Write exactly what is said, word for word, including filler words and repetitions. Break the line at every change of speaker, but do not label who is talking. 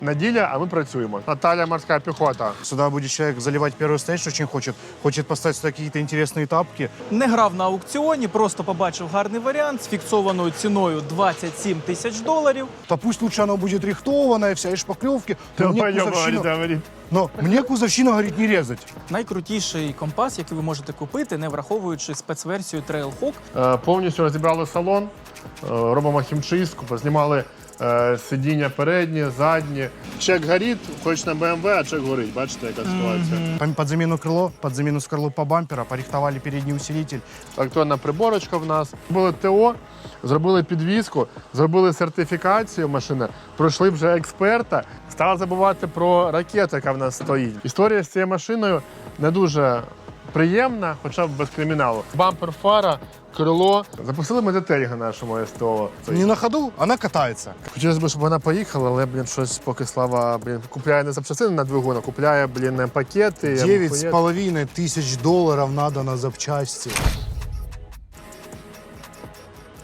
Неділя, а ми працюємо. Наталя, морська піхота.
Сюда будет человек заливать первый стейдж, очень хочет. Хочет поставить сюда какие-то интересные тапки.
Не грав на аукціоні, просто побачив гарний варіант з фіксованою ціною двадцять сім тисяч доларів.
Да пусть лучше оно будет рихтованное, вся и шпаклевки. Но мне
Пойдем,
кузовщину,
говорит, говорит.
но мне кузовщину, говорит, не резать.
Найкрутіший компас, який ви можете купити, не враховуючи спецверсію Trailhawk.
Е, Повністю розібрали салон, е, робимо хімчистку, познімали е, сидіння передні, задні. Чек горить, хоч на БМВ, а чек горить. Бачите, яка ситуація.
Под под замену крыло, под замену скорлупа бампера, порихтовали передний усилитель.
Електронна приборочка в нас. Зробили ТО, зробили підвізку, зробили сертифікацію машини, пройшли вже експерта. Стали забувати про ракету, яка в нас стоїть. Історія з цією машиною не дуже приємна, хоча б без криміналу. Бампер, фара, крило. Запустили ми детелінги нашому СТО.
Не на ходу, она катается.
Хотілося б, щоб вона поїхала, але, блін, щось поки Слава, блін, купляє не запчастини на двигун, а купляє, блін, пакети.
Девять с половиной тысяч долларов надо на запчасти.